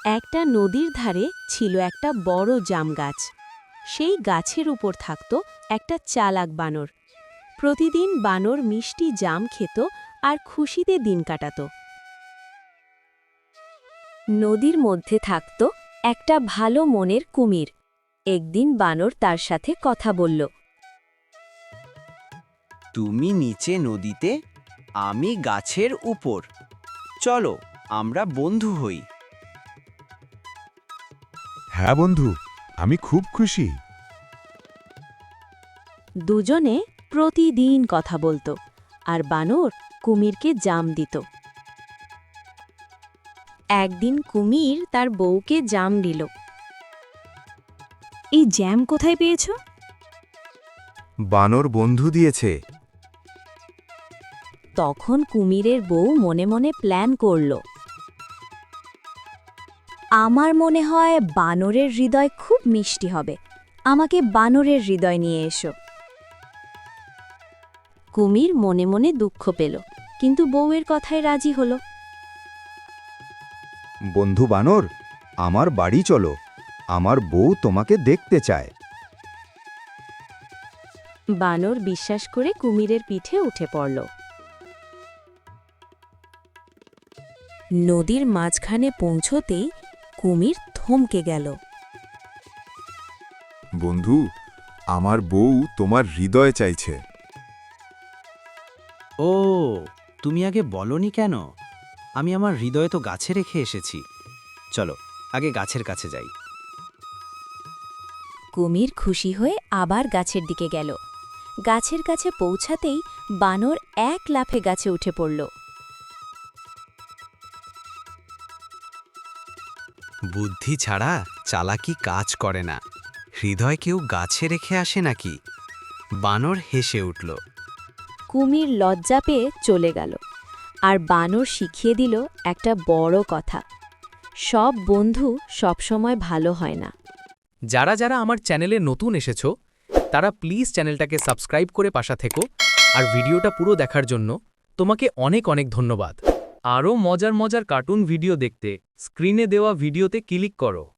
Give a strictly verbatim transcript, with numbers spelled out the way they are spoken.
একটা নদীর ধারে ছিল একটা বড় জাম গাছ। সেই গাছের উপর থাকত একটা চালাক বানর। প্রতিদিন বানর মিষ্টি জাম খেত আর খুশিতে দিন কাটাত। নদীর মধ্যে থাকত একটা ভালো মনের কুমির। একদিন বানর তার সাথে কথা বলল। তুমি নিচে নদীতে, আমি গাছের উপর। চলো আমরা বন্ধু হই। হ্যাঁ বন্ধু, আমি খুব খুশি। দুজনে প্রতিদিন কথা বলতো আর বানর কুমিরকে জাম দিত। একদিন কুমির তার বউকে জাম দিল। এই জ্যাম কোথায় পেয়েছ? বানর বন্ধু দিয়েছে। তখন কুমিরের বউ মনে মনে প্ল্যান করল। আমার মনে হয় বানরের হৃদয় খুব মিষ্টি হবে, আমাকে বানরের হৃদয় নিয়ে এসো। কুমির মনে মনে দুঃখ পেল, কিন্তু বউয়ের কথায় রাজি হল। বন্ধু বানর, আমার বাড়ি চলো, আমার বউ তোমাকে দেখতে চায়। বানর বিশ্বাস করে কুমিরের পিঠে উঠে পড়ল। নদীর মাঝখানে পৌঁছতেই কুমির থমকে গেল। বন্ধু, আমার বউ তোমার হৃদয় চাইছে। ও, তুমি আগে বলনি কেন? আমি আমার হৃদয় তো গাছে রেখে এসেছি। চলো আগে গাছের কাছে যাই। কুমির খুশি হয়ে আবার গাছের দিকে গেল। গাছের কাছে পৌঁছাতেই বানর এক লাফে গাছে উঠে পড়ল। বুদ্ধি ছাড়া চালাকি কাজ করে না। হৃদয় কেউ গাছে রেখে আসে নাকি? বানর হেসে উঠল। কুমির লজ্জা পেয়ে চলে গেল, আর বানর শিখিয়ে দিল একটা বড় কথা: সব বন্ধু সবসময় ভালো হয় না। যারা যারা আমার চ্যানেলে নতুন এসেছো তারা প্লিজ চ্যানেলটাকে সাবস্ক্রাইব করে পাশা থেকো, আর ভিডিওটা পুরো দেখার জন্য তোমাকে অনেক অনেক ধন্যবাদ। আরও মজার মজার কার্টুন ভিডিও দেখতে স্ক্রিনে দেওয়া ভিডিওতে ক্লিক করো।